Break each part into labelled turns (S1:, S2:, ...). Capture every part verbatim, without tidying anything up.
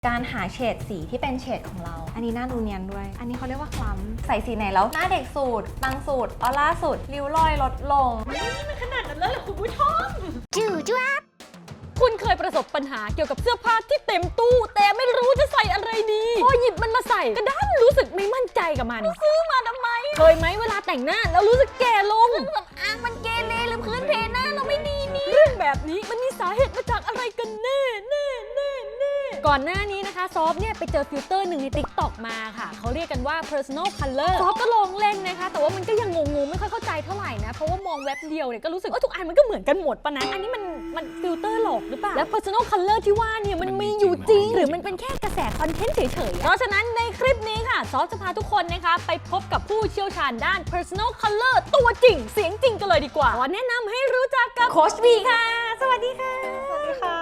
S1: การหาเฉดสีที่เป็นเฉดของเราอันนี้หน้าดูเนียนด้วยอันนี้เขาเรียกว่าคล้ำใส่สีไหนแล้วหน้าเด็กสุดบางสุดออร่าสุดริ้วรอยลดลงนี่มันขนาดนั้นเลยเหรอคุณผู้ชมจูจ้า
S2: คุณเคยประสบปัญหาเกี่ยวกับเสื้อผ้าที่เต็มตู้แต่ไม่รู้จะใส่อะไรดีพอหยิบมันมาใส่ก็ด้านรู้สึกไม่มั่นใจกับมันซื้อมาทำไมเคยไหมเวลาแต่งหน้าแล้วรู้สึกแก่ลงเครื่องสำอางมันเกเรหรือพื้นเพหน้าเราไม่ดีนี่เรื่องแบบนี้มันมีสาเหตุมาจากอะไรกันแน่แน่แน่แน่ก่อนหน้านี้นะคะซอฟเนี่ยไปเจอฟิลเตอร์หนึ่งใน ติ๊กต็อก มาค่ะเขาเรียกกันว่า personal color ซอฟก็ลองเล่นนะคะแต่ว่ามันก็ยังงงๆไม่ค่อยเข้าใจเท่าไหร่นะเพราะว่ามองแว็บเดียวเนี่ยก็รู้สึกว่าทุกอันมันก็เหมือนกันหมดปะนะอันนี้มันมันฟิลเตอร์หลอกหรือเปล่าและ personal color ที่ว่าเนี่ยมันมีอยู่จริงหรือมันเป็นแค่กระแสคอนเทนต์เฉยๆเพราะฉะนั้นในคลิปนี้ค่ะซอฟจะพาทุกคนนะคะไปพบกับผู้เชี่ยวชาญด้าน personal color ตัวจริงเสียงจริงกันเลยดีกว่าขอแนะนำให้รู้จักกับโค้ชบีค่ะสวัสดีค่ะ
S1: สวัสดีค่ะ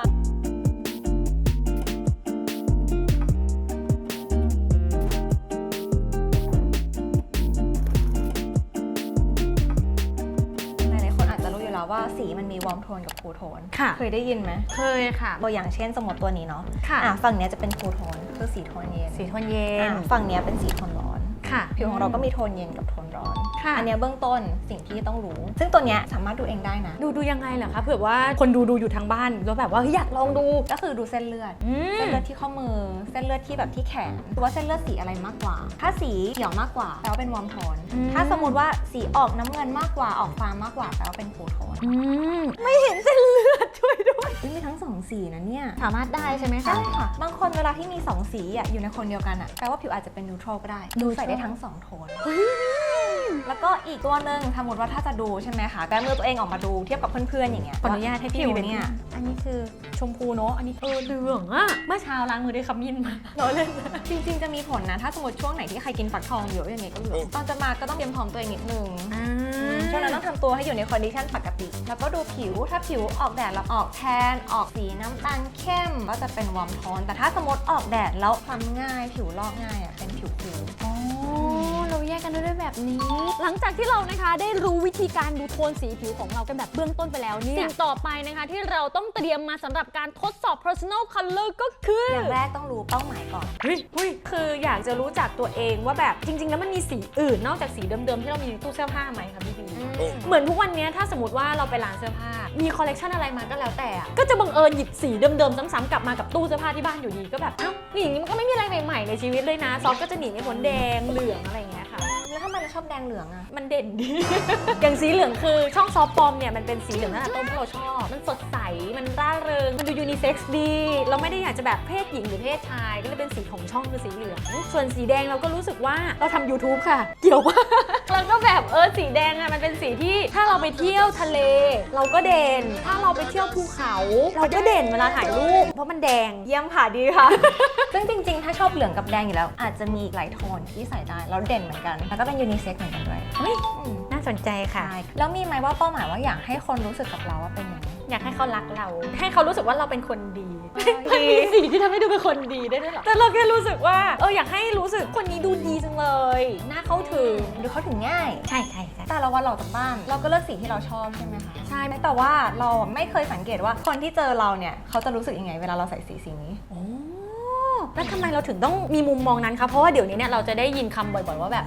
S1: ว่าสีมันมีวอร์มโทนกับคูลโทนเคยได้ยินไหม
S2: เคยค่ะ
S1: ตัวอย่างเช่นสมมติตัวนี้เนาะ
S2: ค่ะ
S1: ฝั่งนี้จะเป็นคูลโทนคือสีโทนเย็น
S2: สีโทนเย็น
S1: ฝั่งนี้เป็นสีโทนร้อน
S2: ค่ะ
S1: ผิวของเราก็มีโทนเย็นกับโทนร้อน
S2: ค่ะ
S1: อันนี้เบื้องต้นสิ่งที่ต้องรู้ซึ่งตัวนี้สามารถดูเองได้นะ
S2: ดูดูยังไงเหรอคะเผื่อว่าคนดูดูอยู่ทางบ้านแล้วแบบว่าอยากลองดู
S1: ก็คือดูเส้นเลือดเส้นเลือดที่ข้อมือเส้นเลือดที่แบบที่แขนดูว่าเส้นเลือดสีอะไรมากกว่าถ้าสีเขียวมากกว่าแปลว่าเป็นวอร์มโทนถ้าสมมติว่าสีออกน้ำเงินมากกว่าออกฟ้ามากกว่าแปลว่าเป็นคูลโทน
S2: ไม่เห็นเส้นเลือดช่วยด้วย
S1: มีทั้งสองสีนะเนี่ย
S2: สามารถได้ใช่ไหมคะ
S1: ใช่ค่ะบางคนเวลาที่มีสองสีอ่ะอยู่ในคนเดียวกันอ่ะแปลว่าผิวอาจจะเป็นนิวทรัลก็ได้ดูใส่ได้ทั้งสองโทนแล้วก็อีกตัวหนึ่งสมมติว่าถ้าจะดูใช่ไหมคะแบมือตัวเองออกมาดูเทียบกับเพื่อนๆอย่างเงี้ย
S2: ขออนุญาตให้พี่
S1: ผิวเนี่ย
S2: อันนี้คือชมพูเนาะอันนี้เออเหลืองอะเมื่อเช้าล้างมือด้วยขมิ้นมาเราเล่น
S1: จริงๆจะมีผลนะถ้าสมมติช่วงไหนที่ใครกินฟักทองเยอะอย่างเงี้ยก็เหลืองตอนจะมาก็ต้องเตรียมพร้อมตัวเองนิดนึงช่วงนั้นต้องทำตัวให้อยู่ในคอนดิชันปกติแล้วก็ดูผิวถ้าผิวออกแดดแล้วออกแทนออกสีน้ำตาลเข้มก็จะเป็นวอร์มโทนแต่ถ้าสมมติออกแดดแล้วคล้ำง่ายผิวลอกง่ายอ่ะเป็นผิวคูล
S2: อ๋อเราแยกกันด้วยแบบนี้หลังจากที่เรานะคะได้รู้วิธีการดูโทนสีผิวของเรากันแบบเบื้องต้นไปแล้วเนี่ยสิ่งต่อไปนะคะที่เราต้องเตรียมมาสำหรับการทดสอบ personal color ก็คือ
S1: อย่างแรกต้องรู้เป้าหมายก่อน
S2: เฮ้ยเฮ้ยคืออยากจะรู้จักตัวเองว่าแบบจริงๆแล้วมันมีสีอื่นนอกจากสีเดิมๆที่เรามีในตู้เสื้อผ้าไหมคะพี่บีเหมือนทุกวันนี้ถ้าสมมติว่าเราไปร้านเสื้อผ้ามีคอลเลกชันอะไรมาก็แล้วแต่ก็จะบังเอิญหยิบสีเดิมๆซ้ำๆกลับมากับตู้เสื้อผ้าที่บ้านอยู่ดีก็แบบเอ้านี่อย่างนี้มันก็ไม่มีอะไรใหม่ๆในชีวิตเลยนะซอฟก็จะหนีไม่พ้นแดงเหลืองอะไรอย่างเงี้ยค่ะ
S1: แล้วทำไมเราชอบแดงเหลืองอะ
S2: มันเด่นดี อย่างสีเหลืองคือช่องซอฟปอมเนี่ยมันเป็นสีเหลืองตั้งแต่ต้นที่เราชอบมันสดใสมันร่าเริงมันดูยูนิเซ็กซ์ดีเราไม่ได้อยากจะแบบเพศหญิงหรือเพศชายก็เลยเป็นสีของช่องคือสีเหลืองส่วนสีแดงเราก็รู้สึกว่าเราทำ ยูทูบ ค่ะเกี่ยวป่ะ แล้วก็แบบเออสีแดงอะมันเป็นสีที่ถ้าเราไปเที่ยวทะเลเราก็เด่นถ้าเราไปเที่ยวภูเขาเราก็เด่นเวลาถ่ายรูปเพราะมันแดง
S1: เยี่ยมค่ะดีค่ะ ซึ่งจริงๆถ้าชอบเหลืองกับแดงอยู่แล้วอาจจะมีอีกหลายโทนที่ใส่ได้แล้วเด่นเหมือนกันแล้วก็เป็นยูนิเซ็กซ์เหมือนกันด้วย
S2: เฮ้ยน่าสนใจค่ะ
S1: แล้วมีไหมว่าเป้าหมายว่าอยากให้คนรู้สึกกับเราว่าเป็นยังไง
S2: อยากให้เขารักเราให้เขารู้สึกว่าเราเป็นคนดีมันมีสิ่งที่ทำให้ดูเป็นคนดีได้ด้วยหรอแต่เราแค่รู้สึกว่าเอออยากให้รู้สึกคนนี้ดูดีจังเลยน่าเข้าถึง
S1: ดูเข้าถึงง่าย
S2: ใช่ใช่
S1: แต่ละวันเราจากบ้านเราก็เลือกสีที่เราชอบใช่ไหมคะใช่แต่ว่าเราไม่เคยสังเกตว่าคนที่เจอเราเนี่ยเขาจะรู้สึกยังไงเวลาเราใส่สีสีนี้
S2: แล้วทำไมเราถึงต้องมีมุมมองนั้นคะเพราะว่าเดี๋ยวนี้เนี่ยเราจะได้ยินคำบ่อยๆว่าแบบ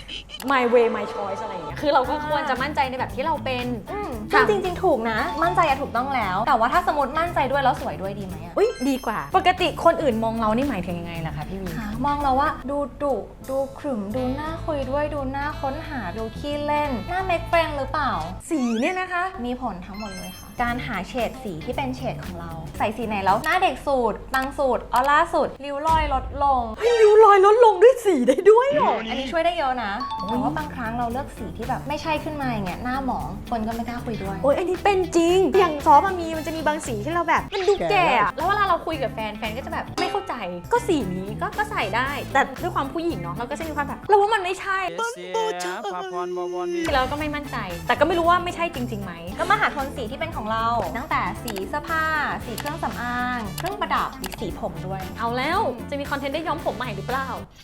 S2: my way my choice อะไรอย่างเงี้ยคือเราก็ควรจะมั่นใจในแบบที่เราเป็น
S1: จริงจริงถูกนะมั่นใจอะถูกต้องแล้วแต่ว่าถ้าสมมติมั่นใจด้วยแล้วสวยด้วยดีไหมอะ
S2: อุ้ยดีกว่าปกติคนอื่นมองเรานี่หมายถึงยังไงล่ะคะพี่วี
S1: มองเราว่าดูดุดูขรึมดูหน้าคุยด้วยดูหน้าค้นหาดูขี้เล่นหน้าเมคเฟรนหรือเปล่า
S2: สีเนี่ยนะคะ
S1: มีผลทั้งหมดเลยค่ะการหาเฉดสีที่เป็นเฉดของเราใส่สีไหนแล้วหน้าเด็กสุดบางสุดออร่าสุดริ้วรอยลดลง
S2: ริ้วรอยลดลงด้วยสีได้ด้วยเหรอ
S1: อันนี้ช่วยได้เยอะนะแต่ว่าบางครั้งเราเลือกสีที่แบบไม่ใช่ขึ้นมาอย่างเงี้ยหน้าหมองคนก็ไม่กล้าคุยด้วย
S2: โอ้ยอันนี้เป็นจริงอย่างซอฟมีมันจะมีบางสีที่เราแบบมันดูแก่แล้วเวลาเราคุยกับแฟนแฟนก็จะแบบไม่เข้าใจก็สีนี้ก็ก็ใส่ได้แต่ด้วยความผู้หญิงเนาะเราก็จะมีความแบบเราว่ามันไม่ใช่เราก็ไม่มั่นใจแต่ก็ไม่รู้ว่าไม่ใช่จริงๆไหม
S1: ก็มาหาโทนสีที่เป็นของเราตั้งแต่สีเสื้อผ้าสีเครื่องสำอางเครื่องประดับสีผมด้วย
S2: เอาแล้วจะมีคอนเทนต์ได้ย้อมผมใหม่หรือเปล่า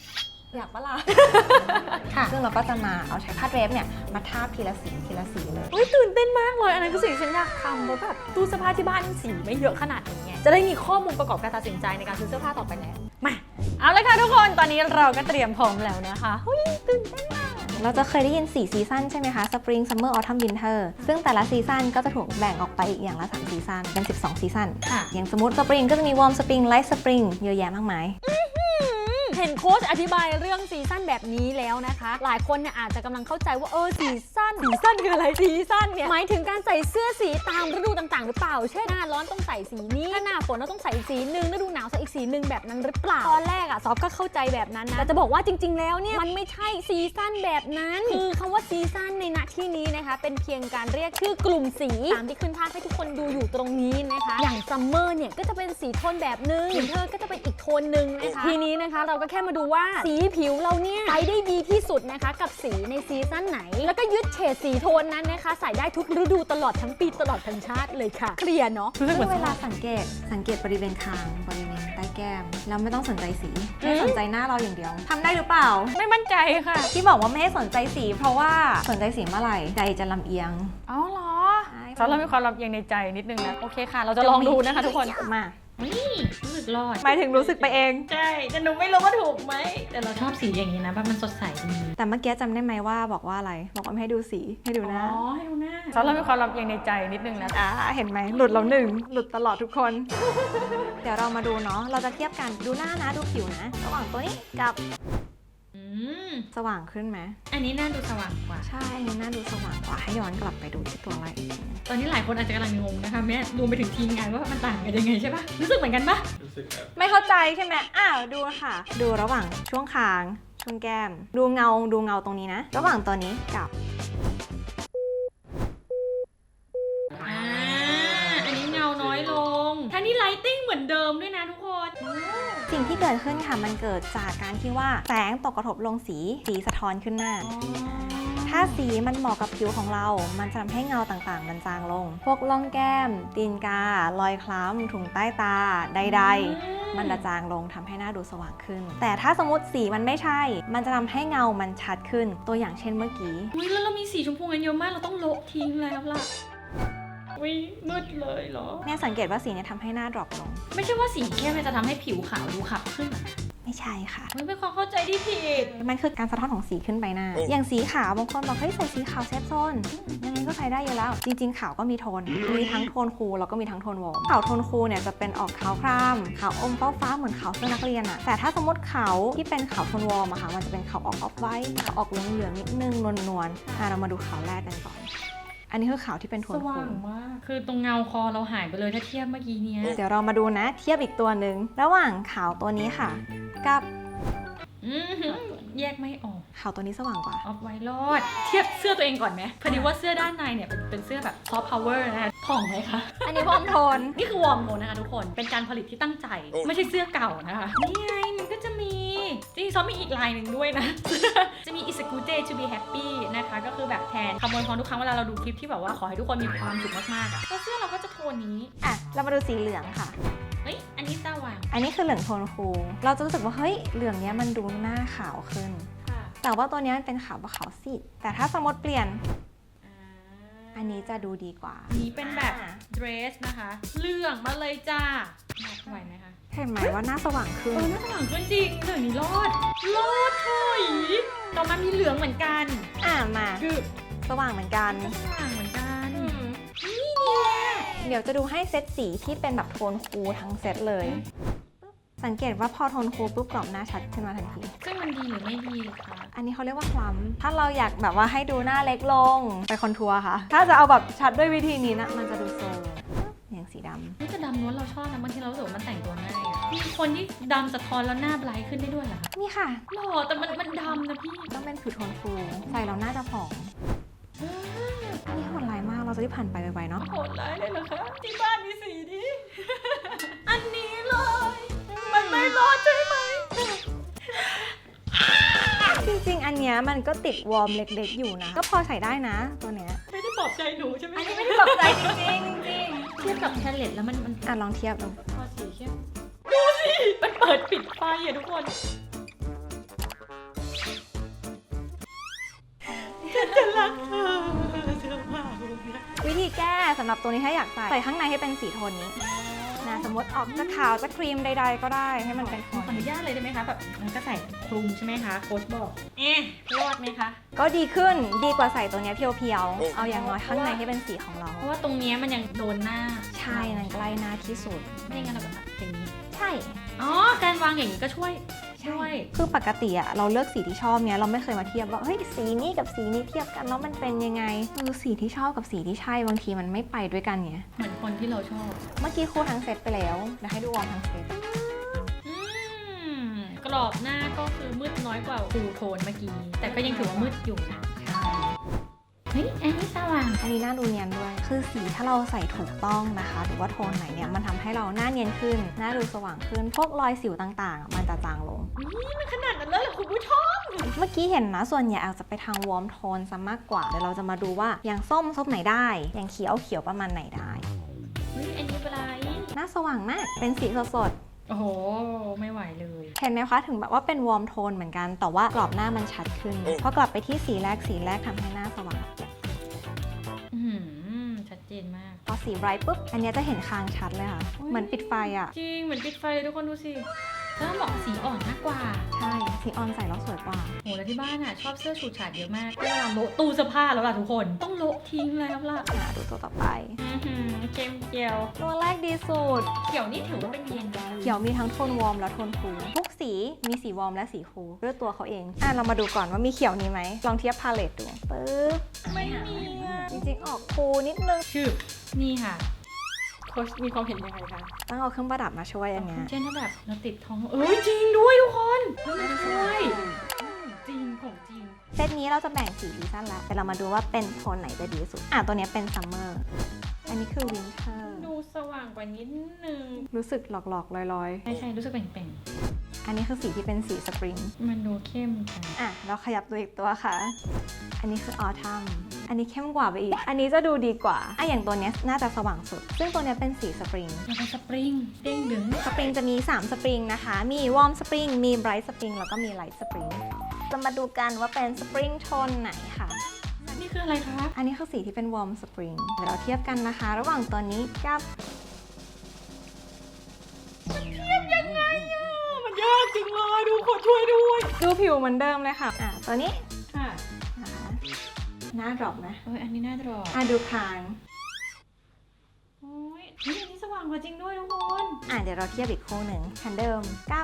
S1: อยากปะล่ะ ค่ะซึ่งเราก็จะมาเอาใช้ผ้าเดรปเนี่ยมาทาบทีละสีทีละสีเลย
S2: เฮ้ยตื่นเต้นมากเลยอันนั้นคือสิ่งที่ฉันอยากทำเพราะแบบตู้เสื้อผ้าที่บ้านสีไม่เยอะขนาดนี้ไงจะได้มีข้อมูลประกอบการตัดสินใจในการซื้อเสื้อผ้าต่อไปแล้วมาเอาเลยค่ะทุกคนตอนนี้เราก็เตรียมพร้อมแล้วนะคะเฮ้ยตื่นเต้นมาก
S1: เราจะเคยได้ยินสี่ซีซั่นใช่ไหมคะ Spring Summer Autumn Winter ซึ่งแต่ละซีซั่นก็จะถูกแบ่งออกไปอีกอย่างละสามซีซั่นเป็นสิบสองซีซั่น
S2: ค่ะ
S1: อย่างสมมติ Spring ก็จะมี Warm Spring Light Spring เยอะแยะมากมาย
S2: เห็นโค้ชอธิบายเรื่องซีซั่นแบบนี้แล้วนะคะ หลายคนเนี่ยอาจจะกำลังเข้าใจว่าเออซีซั่นซีซั่นคืออะไรซีซั่นเนี่ยหมายถึงการใส่เสื้อสีตามฤดูต่างๆหรือเปล่าเช่นหน้าร้อนต้องใส่สีนี้ถ้าหน้าฝนเราต้องใส่อีกสีหนึ่งฤดูหนาวใส่อีกสีหนึ่งแบบนั้นหรือเปล่าตอนแรกอะซอฟก็เข้าใจแบบนั้นนะแต่จะบอกว่าจริงๆแล้วเนี่ยมันไม่ใช่ซีซั่นแบบนั้นคือคำว่าซีซั่นในณที่นี้นะคะเป็นเพียงการเรียกชื่อกลุ่มสีตามที่ขึ้นภาพให้ทุกคนดูอยู่ตรงนี้นะคะอย่างซัมเมอร์เนี่ยก็จะเป็นสีโทนแบบนึงวินเทอร์ก็จะเป็นอีกโทนนึงนะคะทีนี้นะคะเราก็แค่มาดูว่าสีผิวเราเนี่ยใช้ได้ดีที่สุดนะคะกับสีในซีซั่นไหนแล้วก็ยึดเฉดสีโทนนั้นนะคะใส่ได้ทุกฤดูตลอดทั้งปีตลอดทั้งชาติเลยค่ะเคลียร์เนาะ
S1: ซึ่งเวลาสังเกตสังเกตบริเวณคางบริเวณใต้แก้มแล้วไม่ต้องสนใจสีให้สนใจหน้าเราอย่างเดียวทำได้หรือเปล่า
S2: ไม่มั่นใจค่ะ
S1: ที่บอกว่าไม่ให้สนใจสี เพราะว่าสนใจสีเมื่อไหร่ใจจะลำเอียง
S2: อ๋อเหรอ
S1: ใช่
S2: ซอสเรามีความลับเอียงในใจนิดนึงนะโอเคค่ะ เราจะลองดูนะคะทุกคน
S1: มา
S3: นี่รู้สึกรอด
S1: หมายถึงรู้สึกไปเอง
S3: ใช่แต่หนูไม่รู้ว่าถูกไหมแต่เราชอบสีอย่างนี้นะแบบมันสดใสดี
S1: แต่เมื่อกี้จำได้ไหมว่าบอกว่าอะไรบอกว่าไม่ให้ดูสีให้ดูหน้า
S3: อ๋อให้ดูหน้า
S2: ซอสเรามีความลับเอียงในใจนิดนึงนะ
S1: อ่าเห็นไหมหลุดแล้วหนึ่งหลุดตลอดทุกคน เดี๋ยวเรามาดูเนาะเราจะเทียบกันดูหน้านะดูผิวนะ ระหว่างตัวนี้กับ
S3: อืม
S1: สว่างขึ้นไหม
S3: อันนี้หน้าดูสว่างกว่า
S1: ใช่อันนี้หน้าดูสว่างกว่าให้ย้อนกลับไปดูที่ตัวอะไร
S3: ตอนนี้หลายคนอาจจะกำลังงงนะคะแม่รวมไปถึงทีมงานว่ามันต่างกันยังไงใช่ปะรู้สึกเหมือนกันปะ
S4: รู้สึกครับ
S1: ไม่เข้าใจใช่ไหมอ้าวดูค่ะ ดูระหว่างช่วงคางช่วงแก้ม ดูเงาดูเงาตรงนี้นะ ระหว่างตัวนี้กับ
S3: อ่าอันนี้เงาน้อยลงทั้งนี้ไลติ้งเหมือนเดิมด้วยนะทุกคน
S1: สิ่งที่เกิดขึ้นค่ะมันเกิดจากการที่ว่าแสงตกกระทบลงสีสีสะท้อนขึ้นหน้า ถ้าสีมันเหมาะกับผิวของเรา มันจะทำให้เงาต่างๆ มันจางลง พวกร่องแก้ม ตีนกา รอยคล้ำ ถุงใต้ตา ใดๆ มันจะจางลงทำให้หน้าดูสว่างขึ้น แต่ถ้าสมมติสีมันไม่ใช่ มันจะทำให้เงามันชัดขึ้น ตัวอย่างเช่นเมื่อกี้
S3: อุ้ยแล้วเรามีสีชมพูกันเยอะมากเราต้องโละทิ้งแล้วล่ะอุ้ยมืดเลยเหรอ
S1: เนี่ยสังเกตว่าสีเนี่ยทำให้หน้าดรอปลง
S3: ไม่ใช่ว่าสีเข้มมันจะทำให้ผิวขาวดูขับขึ้นเหรอ
S1: ไม่ใช่ค่ะ
S3: มันเป็นความเข้าใจที่ผิด
S1: มันคือการสะท้อนของสีขึ้นใบหน้า อย่างสีขาวบางคนบอกเฮ้ยใส่สีขาวเซฟโซนยังไงก็ใส่ได้อยู่แล้ว จริงๆขาวก็มีโทน มีทั้งโทนคูลแล้วก็มีทั้งโทนวอร์มขาวโทนคูลเนี่ยจะเป็นออกขาวครามขาวอมฟ้าฟ้าๆเหมือนขาวเสื้อนักเรียนอะแต่ถ้าสมมติขาวที่เป็นขาวโทนวอร์มอะค่ะมันจะเป็นขาวออกออฟไวท์ขาวออกเหลืองๆนิดนึงนวลๆอ่ะเรามาดูขาวแรกกันก่อน อันนี้คือขาวที่เป็นโท
S3: ส
S1: นคู
S3: ว่าง
S1: ล
S3: มาก คือตรงเงาคอเราหายไปเลยถ้าเทียบเมื่อกี้เนี้ย
S1: เดี๋ยวเรามาดูนะ เทียบอีกตัวหนึ่งระหว่างขาวตัวนี้ค่ะ กับ
S3: อือหือแยกไม่ออก
S1: ขาวตัวนี้สว่างกว่า
S3: ออฟไวรอด เทียบเสื้อตัวเองก่อนไหมพอดีว่าเสื้อด้านในเนี่ยเป็นเป็นเสื้อแบบซอฟต์พาวเวอร์นะคะผ่องไหมคะ
S1: อันนี้วอร์มโทน
S3: นี่คือวอร์มโทนนะคะทุกคน เป็นการผลิตที่ตั้งใจ ไม่ใช่เสื้อเก่านะคะ นี่ไงมันก็จะมี จริงๆซ้อมมีอีกลายหนึ่งด้วยนะ จะมี It's a good day to be happy นะคะ ก็คือแบบแทนคำอวยพรทุกครั้งเวลาเราดูคลิปที่แบบว่าขอให้ทุกคนมีความสุขมากๆอะแล้วเสื้อเราก็จะโทนนี้
S1: อ่ะเรามาดูสีเหลืองค่ะ
S3: เฮ้ย อันนี้สว่าง
S1: อันนี้คือเหลืองโทนคูลเราจะรู้สึกว่าเฮ้ยเหลืองเนี้ยมันดูหน้าขาวขึ้น แต่ว่าตัวเนี้ยมันเป็นขาวแบบขาวซีดแต่ถ้าสมมติเปลี่ยน อันนี้จะดูดีกว่า
S3: อันนี้เป็นแบบเดรสนะคะเหลืองมาเลยจ้าไหวไหมคะ
S1: เห็นไหมว่าหน้าสว่างขึ้
S3: เอน อหน้าสว่างขึ้นจริงเหลืองนี้รอด รอดถอยต่อมามีเหลืองเหมือนกัน
S1: อ่ามา
S3: คือ
S1: สว่างเหมือนกัน
S3: สว่างเหมือนกัน
S1: เดี๋ยวจะดูให้เซตสีที่เป็นแบบโทนคูลทั้งเซตเลย สังเกตว่าพอโทนคูลปุ๊บกรอบหน้าชัดขึ้นมาทันที
S3: ซึ่งมันดีหรือไม่ดีคะ
S1: อันนี้เขาเรียกว่าคล้ำถ้าเราอยากแบบว่าให้ดูหน้าเล็กลงไปคอนทัวร์ค่ะ ถ้าจะเอาแบบชัดด้วยวิธีนี้นะมันจะดูโซมอย่างสีดำ
S3: นี่จะดำล้วนเราชอบนะบางทีเรารู้สึกว่ามันแต่งตัวง่ายอะมีคนที่ดำสะท้อนแล้วหน้าไบรท์ขึ้นได้ด้วยเหรอคะ
S1: นี่ค่ะ
S3: หล่อแต่มันมันดำนะพี่
S1: ต้องเป็นผิวโทนคูลใส่แล้วหน้าจะผ่องนี่โหดร้ายมากเราจะรีบผ่านไปไวๆเนาะ
S3: โหดร้ายเลยเหรอคะที่บ้านมีสีนี้ อันนี้เลย มันไม่รอดใช่ไหม
S1: จริงๆ อันเนี้ยมันก็ติดวอร์มเล็กๆอยู่นะ ก็พอใส่ได้นะตัวเนี้ย
S3: ไม่ได้ปลอบใจหนูใช่ไหม
S1: อันนี้ไม่ได้ตกใจจริงๆจริง
S3: เทียบกับแพลเลตแล้วมันมัน
S1: อ่ะลองเทียบดู
S3: พอสีเข้มดูสิ มันเปิดปิดไฟอะทุกคนจะรักเธอเธอมาก
S1: วิธีแก้สำหรับตัวนี้ถ้าอยากใส่ใส่ข้างในให้เป็นสีโทนนี้นะสมมติออกจะขาวจะครีมใดๆก็ได้ให้มันเป็นโท
S3: ขอน อนุญาตเลยได้ไหมคะแบบมันก็ใส่คลุมใช่ไหมคะโค้ชบอกเอ๊ะรอดไหมคะ
S1: ก็ดีขึ้นดีกว่าใส่ตัวเนี้ยเพียวๆเอาอย่างน้อยข้างในให้เป็นสีของเรา
S3: เพราะว่าตรงเนี้ยมันยังโดนหน้า
S1: ใช่นั่นใกล้หน้าที่สุด
S3: ไม่งั้นเราก็แบบอย่างนี้
S1: ใช่
S3: อ๋อการวางอย่างนี้ก็ช่วยช่วย
S1: คือปกติอะเราเลือกสีที่ชอบเนี้ยเราไม่เคยมาเทียบว่าเฮ้ยสีนี้กับสีนี้เทียบกันแล้วมันเป็นยังไงคือสีที่ชอบกับสีที่ใช่บางทีมันไม่ไปด้วยกันไง
S3: เหมือนคนที่เราชอบ
S1: เมื่อกี้ครูทั้งเซตไปแล้วเดี๋ยวให้ดูวอร์มทั้งเซต
S3: อืมกรอบหน้าก็คือมืดน้อยกว่าฟูลโทนเมื่อกี้ แต่ก็ยังถือว่ามืดอยู่นะเฮ้ยอันนี้สว่าง
S1: อันนี้หน้าดูเนียนด้วย คือสีถ้าเราใส่ถูกต้องนะคะ หรือว่าโทนไหนเนี่ยมันทำให้เราหน้าเนียนขึ้น หน้าดูสว่างขึ้น พวกรอยสิวต่างๆ มันจะจางลง
S3: นี่มันขนาดนั้นเลยเหรอคุณผู้ชม
S1: เมื่อกี้เห็นนะส่วนใหญ่อาจจะไปทางวอร์มโทนซะมากกว่า เดี๋ยวเราจะมาดูว่าอย่างส้มส้มไหนได้ อย่างเขียวเขียวประมาณไหนได้
S3: เฮ้ยอันนี้เป็นไร
S1: หน้าสว่างมาก เป็นสีสด
S3: โอ้โหไม่ไหวเลย
S1: ๆเห็นไหมคะถึงแบบว่าเป็นวอร์มโทนเหมือนกัน แต่ว่ากรอบหน้ามันชัดขึ้น พอกลับไปที่สีแรกสีแรกทำให้หน้าสว่าง
S3: อืมชัดเจนมาก
S1: พอสีไบรท์ปุ๊บ อันเนี้ยจะเห็นคางชัดเลยค่ะ เหมือนปิดไฟอ่ะ
S3: จริงเหมือนปิดไฟเลยทุกคนดูสิถ้าเหมาะสีอ่อนมากกว่า
S1: ใช่ สีออนใส่แล้วสวยกว่า
S3: โหแล้วที่บ้านอ่ะชอบเสื้อฉูดฉาดเยอะมากเวลาโละตู้เสื้อผ้าแล้วล่ะทุกคน ต้องโละทิ้งแล้วล่ะ
S1: อ่ะดูตัวต่อไป
S3: อือหือเข้มเกียว
S1: ตัวแรกดีสุด
S3: เขียวนี่ถือว่าเป็นเย็นได้
S1: เขียวมีทั้งโทนวอร์มและโทนคูลทุกสีมีสีวอร์มและสีคูลด้วยตัวเขาเอง อ่ะเรามาดูก่อนว่ามีเขียวนี้ไหม ลองเทียบพาเลตดู ปึ๊บ
S3: ไม่มีอ่ะ
S1: จริงๆออกคูลนิดนึง
S3: ชื่อนี่ค่ะโค้ชมีความเห็นยังไงคะ
S1: ต้องเอาเครื่องประดับมาช่วยอันเนี้ย
S3: เช่นถ้าแบบเราติดท้องเอ้ยจริงด้วยทุกคนมันช่วยจริงของจริง
S1: เซตนี้เราจะแบ่งสีซีซั่นแล้วแต่เรามาดูว่าเป็นโทนไหนจะดีสุด อ่ะตัวเนี้ยเป็นซัมเมอร์ อันนี้คือวินเทอร์
S3: ดูสว่างกว่านิดนึง
S1: รู้สึกหลอกๆลอย
S3: ใช่ใช่รู้สึกแป่ง
S1: ๆ อันนี้คือสีที่เป็นสีสปริง
S3: ๆมันดูเข้มจัง
S1: อ่ะเราขยับตัวอีกตัวค่ะ อันนี้คือออทัมอันนี้เข้มกว่าไปอีก อันนี้จะดูดีกว่าอ่ะอย่างตัวเนี้ยน่าจะสว่างสุด ซึ่งตัวเนี้ยเป็นสีสปริง
S3: มันเป็นสปริงเด้งดึง
S1: สปริงจะมีสามสปริงนะคะ มีวอร์มสปริง มีไบรท์สปริง แล้วก็มีไลท์สปริง จะมาดูกันว่าเป็นสปริงโทนไหนค่ะ
S3: นี่คืออะไรคะ
S1: อันนี้คือสีที่เป็นวอร์มสปริง เดี๋ยวเราเทียบกันนะคะ ระหว่างตัวนี้กับ
S3: ยังไงอ่ะมันยากจริงเลยดูขอช่วยด้วย
S1: ดูผิวเหมือนเดิมเลยค่ะ อ่ะตัวนี้
S3: ค่ะ
S1: นะคะหน้าดรอปนะ
S3: เอ้ยอันนี้น่าจะรอ
S1: อ่ะดูคาง
S3: โอ้ยนี่อันนี้สว่างกว่าจริงด้วยทุกคน
S1: อ่ะเดี๋ยวเราเทียบอีกคู่หนึ่งคันเดิมกับ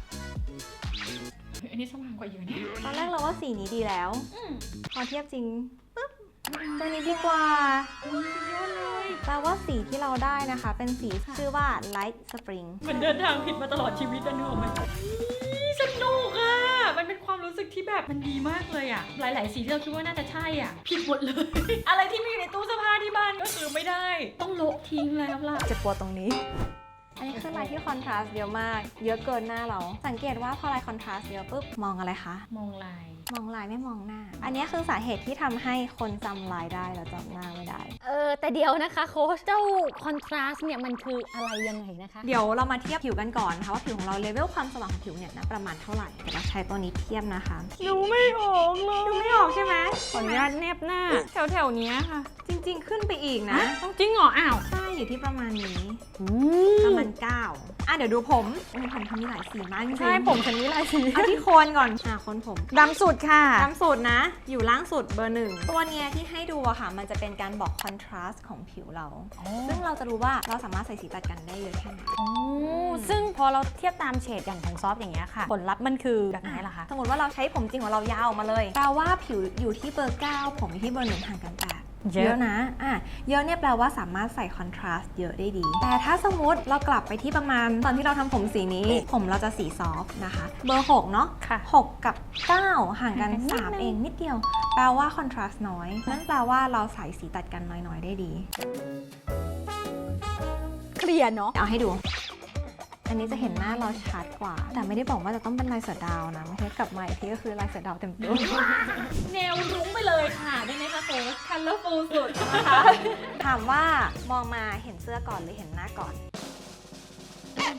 S3: เฮ้ยอันนี้สว่างกว่าเยอะเนี่ย
S1: ตอนแรกเราว่าสีนี้ดีแล้ว
S3: อืม
S1: พอเทียบจริงปุ๊บตัวนี้ดีกว่า
S3: นี่สุดยอดเลย
S1: แปลว่าสีที่เราได้นะคะ เป็นสีชื่อว่า light spring
S3: เหมือนเดินทางผิดมาตลอดชีวิตอะเนอะมันสนุกอะมันเป็นความรู้สึกที่แบบมันดีมากเลยอะหลาย ๆ สีที่เราคิดว่าน่าจะใช่อะผิดหมดเลย อะไรที่มีอยู่ในตู้เสื้อผ้าที่บ้านก็คือไม่ได้ ต้องโละทิ้งแล้วล่ะ
S1: เจ็บปวดตรงนี้ อันนี้คือลายที่คอนทราสต์เยอะมาก เยอะเกินหน้าเรา สังเกตว่าพอลายคอนทราสต์เยอะปุ๊บ มองอะไรคะ
S3: มองลาย
S1: มองลายไม่มองหน้า อันนี้คือสาเหตุที่ทำให้คนจำลายได้แล้วจำหน้าไม่ได้
S2: เออแต่เดี๋ยวนะคะโค้ชเจ้าคอนทราสต์เนี่ยมันคืออะไรยังไงนะคะ
S1: เดี๋ยวเรามาเทียบผิวกันก่อนนะคะว่าผิวของเราเลเวลความสว่างของผิวเนี่ยนะประมาณเท่าไหร่เดี๋ยวเราใช้ตัวนี้เทียบนะคะ
S2: ดูไม่ออกเลย
S1: ดูไม่ออกใช่ไหม
S2: ขออนุญาตเนบหน้า แถวแถวๆเนี้ยค่ะ
S1: จริง ๆ ขึ้นไปอีกนะ
S2: ต้องจริงเหรออ้าว
S1: ใช่อยู่ที่ประมาณนี้
S2: อื
S1: ประมาณเก้าอ่ะเดี๋ยวดูผมโอ้ยผมทำมีหลายสีมากจริงๆ
S2: ใช่ผมฉันมีหลายสี
S1: เอาที่โคนก่อนอ่ะโคนผม
S2: ดำสุดค่ะ
S1: ตามสูตรนะ อยู่ล่างสุดเบอร์หนึ่งตัวเนี้ยที่ให้ดูอะค่ะ มันจะเป็นการบอกคอนทราสต์ของผิวเรา ซึ่งเราจะรู้ว่าเราสามารถใส่สีตัดกันได้เยอะแค่ไหน
S2: โอ้ซึ่งพอเราเทียบตามเฉดอย่างของซอฟต์อย่างเงี้ยค่ะ ผลลัพธ์มันคือแบบไหนล่ะคะ
S1: สมมติว่าเราใช้ผมจริงของเรายาวออกมาเลยแปลว่าผิวอยู่ที่เบอร์เก้าผมอยู่ที่เบอร์หนึ่งห่างกันแปด
S2: เยอะ
S1: เยอะนะอ่ะเยอะเนี่ยแปลว่าสามารถใส่คอนทราสต์เยอะได้ดี แต่ถ้าสมมติเรากลับไปที่ประมาณตอนที่เราทำผมสีนี้ ผมเราจะสีซอฟต์นะคะ เบอร์หกเนาะ
S2: ค่ะ
S1: หกกับเก้าห่างกัน
S2: ห่างกันนิด
S1: สาม
S2: นึง
S1: เองนิดเดียว แปลว่าคอนทราสต์น้อย นั่นแปลว่าเราใส่สีตัดกันน้อยๆได้ดี
S2: เคลียร์เนาะ
S1: เอาให้ดู อันนี้จะเห็นหน้าเราชัดกว่า แต่ไม่ได้บอกว่าจะต้องเป็นลายเสือดาวนะไม่ใช่กลับมาอีกทีก็คือลายเสือดาวเต็มตัว
S3: แนวรุ้งไปเลยค่ะได้ไหมคะโค้ช colorful สุด
S1: ถามว่ามองมาเห็นเสื้อก่อนหรือเห็นหน้าก่อน
S3: เ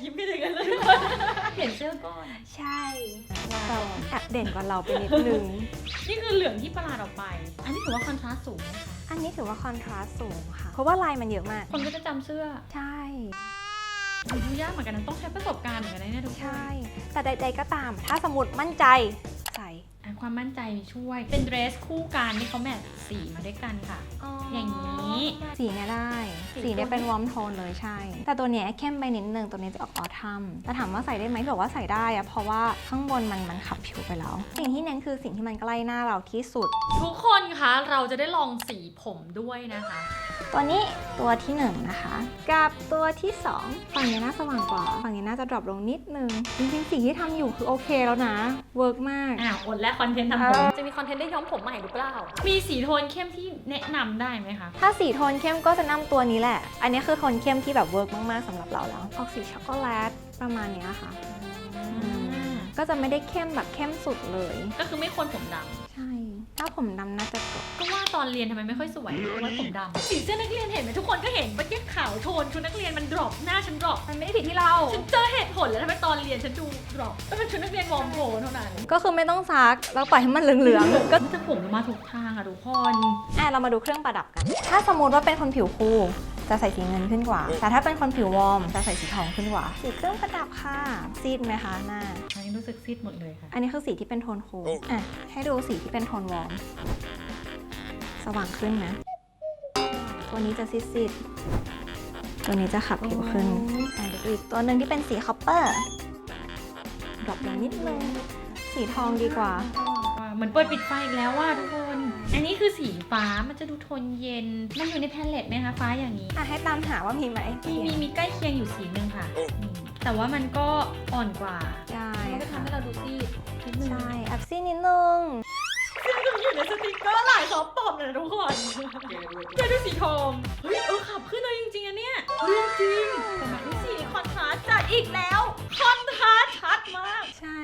S3: ยิ้มไม่ถึงกันเลยเปลี่ยนเสื้อก่อน
S1: ใช่เราแอบเด่นกว่าเราไปนิดนึง
S3: นี่คือเหลืองที่ประหลาดออกไป อันนี้ถือว่าคอนทราสต์สูงไหมคะ
S1: อันนี้ถือว่าคอนทราสต์สูงค่ะ เพราะว่าลายมันเยอะมาก
S3: คนก็จะจำเสื้อ
S1: ใช่
S3: ดูยากเหมือนกันนะต้องใช้ประสบการณ์เหมือนกันนะเนี่ยทุกคน
S1: ใช่ แต่ใดๆก็ตาม ถ้าสมมติมั่นใจใส่
S3: อ่ะความมั่นใจช่วย เป็นเดรสคู่กันที่เขาแมทสีมาด้วยกันค่ะ อย่างนี้
S1: สีเนี่ยได้ สีเนี่ยเป็นวอร์มโทนเลยใช่ แต่ตัวเนี้ยเข้มไปนิดนึง ตัวนี้จะออกออทัมแต่ถามว่าใส่ได้ไหมบอกว่าใส่ได้อะเพราะว่าข้างบนมันมันขับผิวไปแล้ว สิ่งที่เน้นคือสิ่งที่มันใกล้หน้าเราที่สุด
S3: ทุกคนคะเราจะได้ลองสีผมด้วยนะคะ
S1: ตัวนี้ตัวที่หนึ่งนะคะ กับตัวที่สองฝั่งนี้น่าสว่างกว่า ฝั่งนี้น่าจะดรอปลงนิดนึง จริงๆสีที่ทำอยู่คือโอเคแล้วนะ เวิร์กมาก
S3: อ่ะอดและคอนเทนต์ทำผม
S2: จะมีคอนเทนต์ได้ย้อมผมใหม่หรือเปล่า
S3: มีสีโทนเข้มที่แนะนำได้ไหมคะ
S1: ถ้าสีโทนเข้มก็จะนำตัวนี้แหละ อันนี้คือโทนเข้มที่แบบเวิร์กมากๆสำหรับเราแล้ว ออกสีช็อกโกแลตประมาณเนี้ยค่ะ ก็จะไม่ได้เข้มแบบเข้มสุดเลย
S3: ก็คือไม่ควรผมด
S1: ใช่ ถ้าผมดำน่าจะจบ
S3: ำก็ว่าตอนเรียนทำไมไม่ค่อยสวยเพราะว่าผมดำสีเสื้อนักเรียนเห็นไหมทุกคนก็เห็นเมื่อกี้ขาวโทนชุดนักเรียนมันดรอปหน้าฉันดรอป
S1: มันไม่ได้ผิดที่เรา
S3: ฉันเจอเหตุผลแล้วทำไมตอนเรียนฉันดูดรอปก็เป็นชุดนักเรียนวอร์มโทนเท่านั้น
S1: ก็คือไม่ต้องซักแล้วปล่อยให้มันเหลืองๆ ก็
S3: จะผมมาถูกทางอะทุกคน
S1: อ่ะเรามาดูเครื่องประดับกัน ถ้าสมมติว่าเป็นคนผิวคูลจะใส่สีเงินขึ้นกว่า แต่ถ้าเป็นคนผิววอร์มจะใส่สีทองขึ้นกว่า สีเครื่องประดับค่ะ ซีดไหมคะหน้า
S3: อันนี้รู้สึกซีดหมดเลยค่ะ
S1: อันนี้คือสีที่เป็นโทนคูลอ่ะให้ดูสีที่เป็นโทนวอร์ม สว่างขึ้นนะ ตัวนี้จะซีดๆ ตัวนี้จะขับผิวขึ้นอ่ะเดี๋ยวอีกตัวหนึ่งที่เป็นสีคอปเปอร์ดรอปลงนิดนึง สีทองดีกว่า
S3: เหมือนเปิดปิดไฟอีกแล้วว่าทุกคน อันนี้คือสีฟ้ามันจะดูโทนเย็น มันอยู่ในแพลเลตไหมคะฟ้าอย่างนี้
S1: อ่ะให้ตามหาว่ามีไหม
S3: มีมีมีใกล้เคียงอยู่สีหนึ่งค่ะอืมแต่ว่ามันก็อ่อนกว่า
S1: ใช่
S3: มันก็
S1: ค่ะ
S3: ทำให้เราดูซีดนิดนึง
S1: ใช่แอบซีดนิดนึง
S3: อยู่ในสติกเกอร์หลายซอฟต์ปอมเลยนะทุกคนแกดูสีทองเฮ้ยเออขับขึ้นเลยจริงๆอะเนี่ยเรื่องจริงแต่แบบนี้สีคอนทราสต์จัดอีกแล้วคอนทราสต์ชัดมาก
S1: ใช่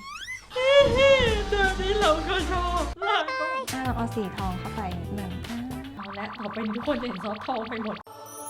S3: ตัวนี้เราก็ชอบลาก็
S1: อ่ะลองเอาสีทองเข้าไปนิดนึงอ่ะ
S3: เอาละต่อไปนี้ทุกคนจะเห็นซอฟต์ทองไปหมด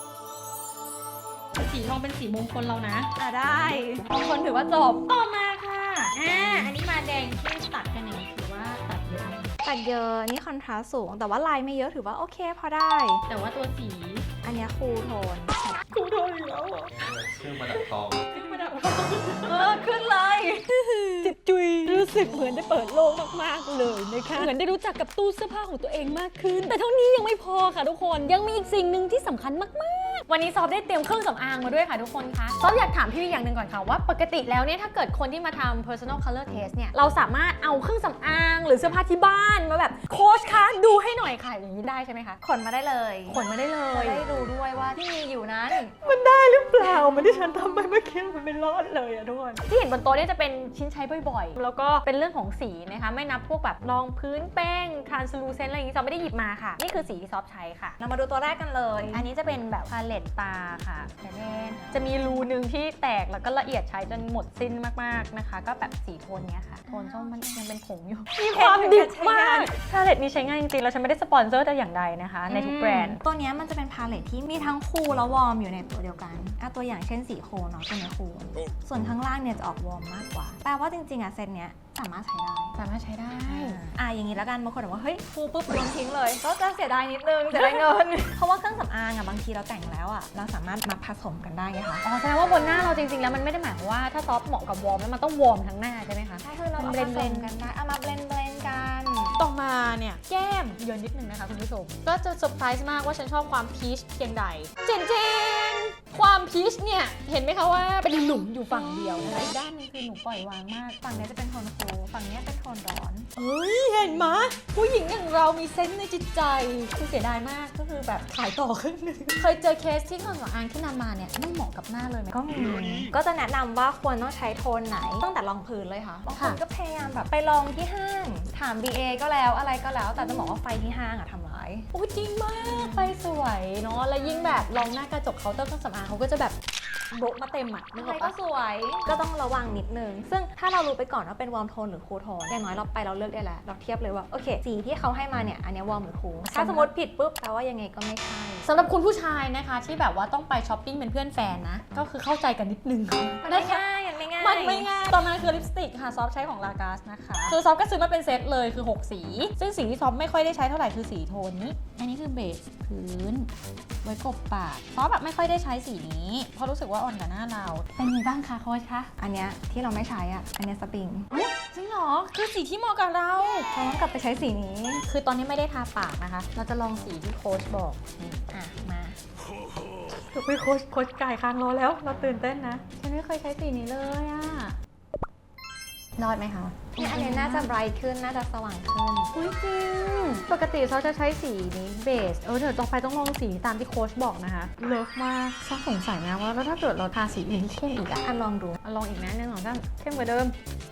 S3: สีทองเป็นสีมงคลเรานะ
S1: อ่ะได้บางคนถือว่าจบ
S3: ต่อมาค่ะอ่าอันนี้มาแดงเข้มตัดกันอย่างนี้ถือว่าตัดเยอะไหม
S1: ตัดเยอะนี่คอนทราสต์สูง แต่ว่าลายไม่เยอะถือว่าโอเคพอได้
S3: แต่ว่าตัวสี
S1: อันเนี้ยคูลโทน
S3: กูโดนอีกแล้วอ่ะ
S4: เครื่องประดับทอง
S3: ขึ้นมาดับ
S1: เออ ขึ้นเลย
S2: จิตจุยรู้สึกเหมือนได้เปิดโลกมากๆเลยนะคะเหมือนได้รู้จักกับตู้เสื้อผ้าของตัวเองมากขึ้น แต่เท่านี้ยังไม่พอค่ะทุกคนยังมีอีกสิ่งหนึ่งที่สำคัญมากๆ วันนี้ซอฟได้เตรียมเครื่องสำอางมาด้วยค่ะทุกคนคะซอฟอยากถามพี่วิอย่างหนึ่งก่อนค่ะว่าปกติแล้วเนี่ยถ้าเกิดคนที่มาทำ personal color test เนี่ยเราสามารถเอาเครื่องสำอางหรือเสื้อผ้าที่บ้านมาแบบโค้ชคะดูให้หน่อยค่ะอย่างนี้ได้ใช่ไหมคะ
S1: ขนมาได้เลย
S2: ขนมาได้เล
S1: จะ
S2: ย
S1: ได้ดูด้วยว่าที่มีอยู่นั้น
S2: มันได้หรือเปล่ามันที่ฉันทำไปเมื่อกี้มันไม่รอดเลยอะทุกคนที่เห็นบนโต๊ะเนี่ยจะเป็นชิ้นใช้บ่อยๆ แล้วก็เป็นเรื่องของสีนะคะไม่นับพวกแบบรองพื้นแป้ง translucent อะไรอย่างนี้ซอฟไม่ได้หยิบมาค่ะนี่คือสีที่ซอฟใช้ค่ะ
S1: เรามาดูตัวแรกกันเลย
S2: อันนี้จะเป็นแบบพาเลตตาค่ะแต่เล่นจะมีรูหนึ่งที่แตกแล้วก็ละเอียดใช้จนหมดสิ้นมากๆนะคะ ก็แบบสีโทนเนี้ยค่ะโทนส้มมันยังเป็นผงอยู่มีความดิบมากพาเลตนี้ใช้ง่ายจริงๆแล้วฉันไม่ได้สปอนเซอร์แต่อย่างใดนะคะในทุกแบรนด์
S1: ตัวเนี้ยมันจะเป็นพาเลทที่มีทั้งคูลและวอร์มอยู่ในตัวเดียวกันอ่ะตัวอย่างเช่นสีโคลเนาะตัวเนี้ยคูลส่วนข้างล่างเนี่ยจะออกวอร์มมากกว่า แปลว่าจริงๆอ่ะเซตเนี้ยสามารถใช้ได้
S2: สามารถใช้ได้
S1: อ่ะอย่างนี้แล้วกันบางคนบอกว่าเฮ้ยฟูปุ๊บโยนทิ้งเลย ก็จะเสียดายนิดนึงเสียดายเงิน เพราะว่าเครื่องสำอางอ่ะบางทีเราแต่งแล้วอ่ะเราสามารถมาผสมกันได้ไงคะ
S2: อ๋อแสดงว่าบนหน้าเราจริงๆแล้วมันไม่ได้หมายความว่าถ้าซอฟเหมาะกับวอร์มแล้วมันต้องวอร์มทั้งหน้าใช่ไหมคะ
S1: ใช่คือเรา
S2: มัน
S1: เบลน
S2: blend
S1: ๆกันได้เอามาเบลนเบลนกัน
S2: ต่อมาเนี่ยแก้มเยอะนิดนึงนะคะคุณผู้ชมก็จะเซอร์ไพรส์มากว่าฉันชอบความพีชเพียงใดเจนเจนความพีชเนี่ยเห็นไหมคะว่าเป็นหลุมอยู่ฝั่งเดียวนะคะอีกด้านหนึงคือหนูปล่อยวางมาก
S1: ฝั่งเนี้ยจะเป็นโทนคูลฝั่งเนี้ยเป็นโทนร้อน
S2: เอ้ยเห็นไหมผู้หญิงอย่างเรามีเซนส์ในจิตใจคือเสียดายมากก็คือแบบขายต่อครึ่งหนึงเคยเจอเคสที่เครื่องสำอางที่นำมาเนี่ยไม่เหมาะกับหน้าเลยไหม
S1: ก็มีก็จะแนะนำว่าควรต้องใช้โทนไหนตั้งแต่รองพื้นเลยค่ะบางคน
S2: ค่ะ
S1: ก็พยายามแบบไปลองที่ห้างถาม บี เอ ก็แล้วอะไรก็แล้ว แต่จะบอกว่าไฟที่ห้างอะทำร้าย
S2: โอ้จริงมากไฟสวยเนาะแล้วยิ่งแบบลองหน้ากระจกเคาน์เตอร์เครื่องสำอางเขาก็จะแบบโบะมาเต็มอ่ะนึกอ
S1: ใช่
S2: อก
S1: ก็
S2: ปะ
S1: สวยก็ต้องระวังนิดนึงซึ่งถ้าเรารู้ไปก่อนว่าเป็นวอร์มโทนหรือคูลโทนอย่างน้อยเราไปเราเลือกได้แล้วเราเทียบเลยว่าโอเคสีที่เขาให้มาเนี่ยอันเนี้ยวอร์มหรือคูลถ้าสมมติผิดปุ๊บแปลว่ายังไงก็ไม่ใช่
S2: สำหรับคุณผู้ชายนะคะที่แบบว่าต้องไปช้อปปิ้งเป็นเพื่อนแฟนนะก็คือเข้าใจกันนิดนึง
S1: มันไม่ง่ายมันไม่ง่าย
S2: มันไม่ง่ายตอนนั้นคือลิปสติกค่ะซอฟใช้ของลากาสนะคะคือซอฟก็ซื้อมาเป็นเซตเลยคือหกสีซึ่งสีที่ซอฟไม่ค่อยได้ใช้เท่าไหร่คือสีโทนนี้อันนี้คือเบสพื้นไว้กบปากซอฟแบบไม่ค่อยได้ใช้สีนี้เพราะรู้สึกว่าอ่อนกับหน้าเราเป็นไงบ้างคะโค้ชคะ
S1: อันเนี้ยที่เราไม่ใช้อ่ะอันเนี้ยสปริง
S2: จริงเหรอคือสีที่เหมาะกับเรา
S1: เราต้องกลับไปใช้สีนี้
S2: คือตอนนี้ไม่ได้ทาปากนะคะเราจะลองสีที่โค้ชบอกนี่
S1: อ่ะมา
S2: คุยโค้ชโค้ชกายค้างรอแล้วเราตื่นเต้นนะฉันไม่เคยใช้สีนี้เลยอะรอดไหมคะ
S1: เนี่ยอันเนี้ยน่าจะไบรท์ขึ้นน่าจะสว่างขึ้น
S2: อุ้ยจริงปกติเขาจะใช้สีนี้เบสเออเดี๋ยวต่อไปต้องลองสีตามที่โค้ชบอกนะคะเลิฟมากชอบสงสัยนะว่าแล้วถ้าเกิดเราทาสีอื่นที่เข้มอีกอะ
S1: อันลองดู
S2: เอาลองอีกนะหนึ่งสองสามเข้มกว่าเดิม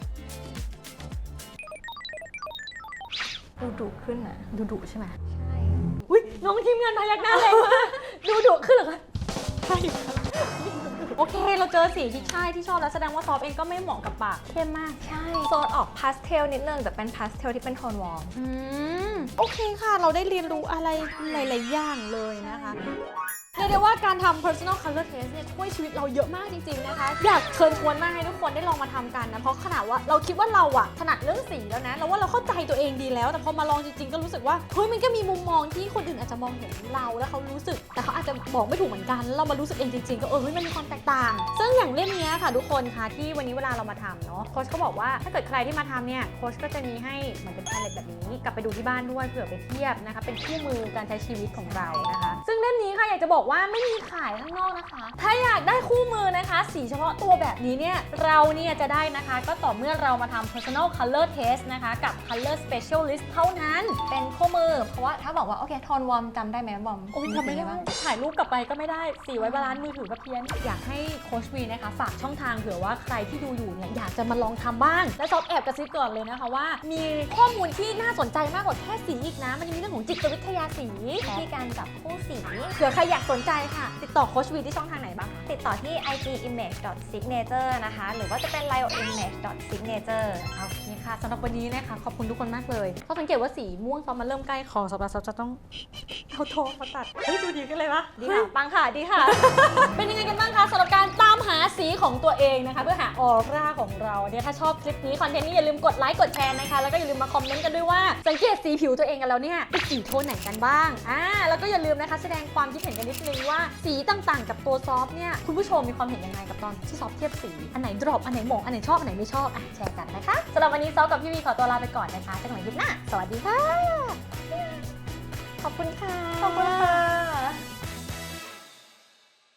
S1: ดูดุขึ้นนะ
S2: ดูดุใช่ไหม
S1: ใช่
S2: อุ้ยน้องทีมงานพยักหน้าแรงมากดูดุขึ้นเหรอคะใช่โอเคเราเจอสีที่ใช่ที่ชอบแล้วแสดงว่าซอฟเองก็ไม่เหมาะกับปากเข้มมาก
S1: ใช่โซนออกพาสเทลนิดนึงแต่เป็นพาสเทลที่เป็นโทนวอร์ม
S2: อืมโอเคค่ะ เราได้เรียนรู้อะไรหลายๆอย่างเลยนะคะเรียกได้ว่าการทำ personal color test เนี่ยช่วยชีวิตเราเยอะมากจริงๆนะคะ อยากเชิญชวนมากให้ทุกคนได้ลองมาทำกันนะ เพราะขนาดว่าเราคิดว่าเราอะถนัดเรื่องสีแล้วนะเราว่าเราเข้าใจตัวเองดีแล้ว แต่พอมาลองจริงๆก็รู้สึกว่าเฮ้ยมันก็มีมุมมองที่คนอื่นอาจจะมองเห็นเราแล้วเขารู้สึก แต่เขาอาจจะบอกไม่ถูกเหมือนกันแล้วเรามารู้สึกเองจริงๆก็เออเฮ้ยมันมีความแตกต่าง ซึ่งอย่างเล่มเนี้ยค่ะทุกคนค่ะที่วันนี้เวลาเรามาทำเนาะโค้ชก็บอกว่าถ้าเกิดใครที่มาทำเนี่ยโค้ชก็จะมีให้เหมือนเป็นแพลเลตแบบนี้กลับไปดูที่บ้านด้วยเผื่อไปเทียบนะคะเป็นคู่มือการใช้ชีวิตของเรานะคะ ซึ่งเล่มนี้ค่ะอยากจะบอกว่าไม่มีขายข้างนอกนะคะ ถ้าอยากได้คู่มือนะคะสีเฉพาะตัวแบบนี้เนี่ยเราเนี่ยจะได้นะคะก็ต่อเมื่อเรามาทำ personal color test นะคะกับ color specialist เท่านั้น
S1: เป็นคู่มือ เพราะว่าถ้าบอกว่าโอเคโทนวอร์มจำได้ไหมบอม
S2: โอ้ยทำไม่ได้ถ่ายรูปกลับไปก็ไม่ได้สีไว้บาลานซ์มือถือก็เพี้ยนอยากให้โค้ชวีนะคะฝากช่องทางเผื่อว่าใครที่ดูอยู่เนี่ยอยากจะมาลองทำบ้างและซอฟแอบกระซิบก่อนเลยนะคะว่ามีข้อมูลที่น่าสนใจมากกว่าแค่สีอีกนะมันยังมีเรื่องของจิตวิทยาสี
S1: วิธีการจับคู่สี
S2: เผื่อใครอยากสนใจค่ะติดต่อโค้ชวีที่ช่องทางไหนบ้าง
S1: ติดต่อที่ ไอ จี image signature นะคะ หรือว่าจะเป็น lio image signature
S2: โอเคค่ะสำหรับวันนี้นะคะขอบคุณทุกคนมากเลยเขาสังเกตว่าสีม่วงซอฟมันเริ่มใกล้คอสำหรับซอฟจะต้องเอาโทรมาตัดเฮ้ยดูดีขึ้นเลยวะ
S1: ดีค่ะ ปังค่ะ ดีค่ะ
S2: เป็นยังไงกันบ้างคะสำหรับการตามหาสีของตัวเองนะคะเพื่อหาออร่าของเราเนี่ยถ้าชอบคลิปนี้คอนเทนต์นี้อย่าลืมกดไลค์กดแชร์นะคะแล้วก็อย่าลืมมาคอมเมนต์กันด้วยว่าสังเกตสีผิวตัวเองกันแล้วเนี่ยเป็นสีโทนไหนกันบ้างอ่าแล้วก็อย่าลืมนะคะแสดงความคิดเห็นกันนิดนึงว่าสีต่างๆกับตัวซอฟเนี่ยคุณผู้ชมมีความเห็นยังไงกับตอนที่ซอฟเทียบสีอันไหนดรอปอันไหนเหมาะอันไหนชอบอันไหนไม่ชอบอ่ะแชร์กันนะคะสำหรับวันนี้ซอฟกับพี่วีขอตัวลาไปก่อนนะคะเจอกันใหม่คลิปหน้าสวัสดีค่ะ
S1: ขอบคุณค่ะ
S2: ขอบคุณค่ะ